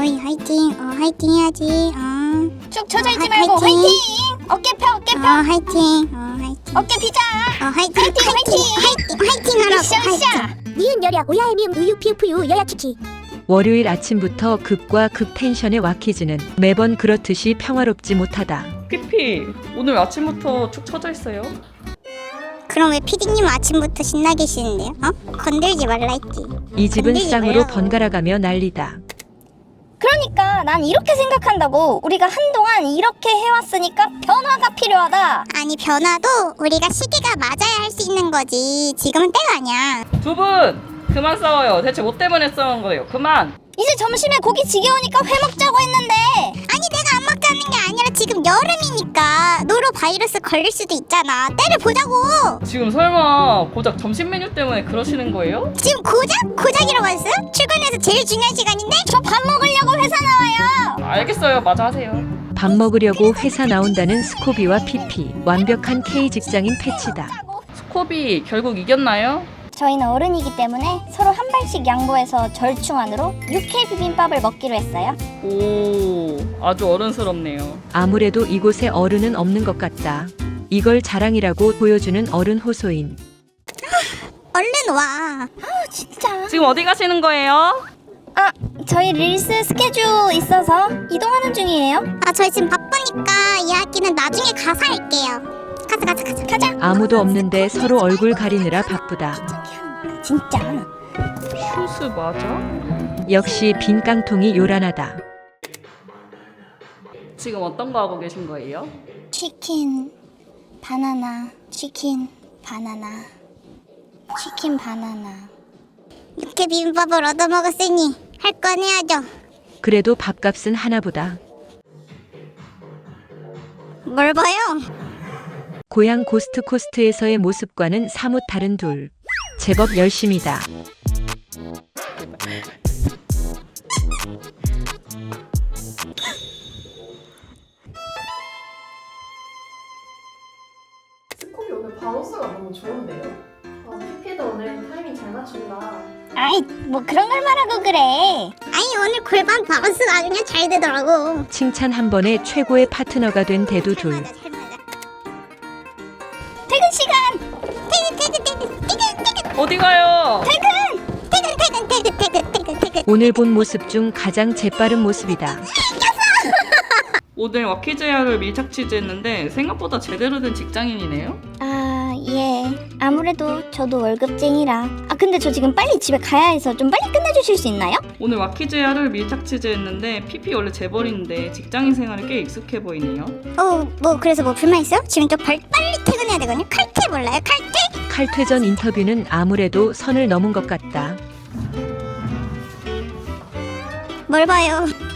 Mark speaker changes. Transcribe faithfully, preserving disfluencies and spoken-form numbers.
Speaker 1: 어이 화이팅. 어 화이팅 해야지. 어.
Speaker 2: 쭉 처져 있지
Speaker 1: 아,
Speaker 2: 말고
Speaker 1: 화이팅.
Speaker 2: 화이팅! 어깨 펴 어깨
Speaker 1: 어
Speaker 2: 펴
Speaker 1: 화이팅. 어 화이팅.
Speaker 2: 어깨 피자.
Speaker 1: 어 화이팅.
Speaker 2: 화이팅,
Speaker 1: 화이팅. 화이팅. 화이팅 하라고.
Speaker 2: 으쌰으쌰.
Speaker 3: 니은 여야 오야의 미음 우유 피우프유 여야 치키.
Speaker 4: 월요일 아침부터 급과 급 텐션의 와키즈는 매번 그렇듯이 평화롭지 못하다.
Speaker 5: 피피 오늘 아침부터 축 처져 있어요?
Speaker 1: 그럼 왜 피디님 아침부터 신나 계시는데요? 어? 건들지 말라 했지.
Speaker 4: 이 집은
Speaker 1: 건들지
Speaker 4: 쌍으로
Speaker 1: 말라고.
Speaker 4: 번갈아가며 난리다.
Speaker 2: 그러니까 난 이렇게 생각한다고. 우리가 한동안 이렇게 해왔으니까 변화가 필요하다.
Speaker 1: 아니 변화도 우리가 시기가 맞아야 할 수 있는 거지. 지금은 때가 아니야.
Speaker 5: 두 분 그만 싸워요. 대체 뭐 때문에 싸운 거예요? 그만.
Speaker 2: 이제 점심에 고기 지겨우니까 회 먹자고 했는데
Speaker 1: 아니 내가 안 먹자는 게 아니라 지금 여름이니까 노로 바이러스 걸릴 수도 있잖아. 때를 보자고.
Speaker 5: 지금 설마 고작 점심 메뉴 때문에 그러시는 거예요?
Speaker 1: 지금 고작? 고작이라고 했어? 출근해서 제일 중요한 시간인데?
Speaker 2: 저 밥 먹으려고 회사 나와요.
Speaker 5: 알겠어요. 마저 하세요.
Speaker 4: 밥 먹으려고 회사 나온다는 스코비와 피피. 완벽한 K 직장인 패치다.
Speaker 5: 스코비 결국 이겼나요?
Speaker 2: 저희는 어른이기 때문에 서로 한 발씩 양보해서 절충안으로 육회 비빔밥을 먹기로 했어요.
Speaker 5: 오, 아주 어른스럽네요.
Speaker 4: 아무래도 이곳에 어른은 없는 것 같다. 이걸 자랑이라고 보여주는 어른 호소인.
Speaker 1: 얼른 와.
Speaker 2: 진짜.
Speaker 5: 지금 어디 가시는 거예요?
Speaker 2: 아, 저희 릴스 스케줄 있어서 이동하는 중이에요.
Speaker 1: 아 저희 지금 바쁘니까 이야기는 나중에 가서 할게요. 가자 가자 가자.
Speaker 2: 가자.
Speaker 4: 아무도 없는데 서로 얼굴 가리느라 바쁘다.
Speaker 2: 진짜.
Speaker 5: 슈스 맞아?
Speaker 4: 역시 빈 깡통이 요란하다.
Speaker 5: 지금 어떤 거 하고 계신 거예요?
Speaker 2: 치킨, 바나나, 치킨, 바나나, 치킨, 바나나.
Speaker 1: 육회 비빔밥을 얻어먹었으니 할 건 해야죠.
Speaker 4: 그래도 밥값은 하나보다.
Speaker 1: 뭘 봐요?
Speaker 4: 고향 고스트코스트에서의 모습과는 사뭇 다른 둘. 제법 열심이다.
Speaker 6: 스코비 오늘 바운스가 너무 좋은데요? 아, 피피도 오늘 타이밍 잘 맞춘다.
Speaker 2: 아이, 뭐 그런 걸 말하고 그래.
Speaker 1: 아니 오늘 골반 바운스가 그냥 잘 되더라고.
Speaker 4: 칭찬 한 번에 최고의 파트너가 된 대두 둘.
Speaker 1: 잘 맞아, 잘 맞아.
Speaker 2: 퇴근 시간.
Speaker 1: 퇴근 퇴근 퇴근 퇴근 퇴근
Speaker 5: 어디 가요?
Speaker 1: 퇴근 퇴근 퇴근 퇴근 퇴근 퇴근.
Speaker 4: 오늘 본 모습 중 가장 재빠른 모습이다.
Speaker 5: 오늘 와키즈야를 밀착 취재했는데 생각보다 제대로 된 직장인이네요?
Speaker 2: 아, 예. 아무래도 저도 월급쟁이라. 아, 근데 저 지금 빨리 집에 가야 해서 좀 빨리 끝내주실 수 있나요?
Speaker 5: 오늘 와키즈야를 밀착 취재했는데 피피 원래 재벌인데 직장인 생활에 꽤 익숙해 보이네요.
Speaker 1: 어뭐 그래서 뭐 불만 있어요? 지금 좀 빨리 퇴근해야 되거든요. 칼퇴 몰라요? 칼퇴?
Speaker 4: 칼퇴전 인터뷰는 아무래도 선을 넘은 것 같다.
Speaker 1: 뭘 봐요?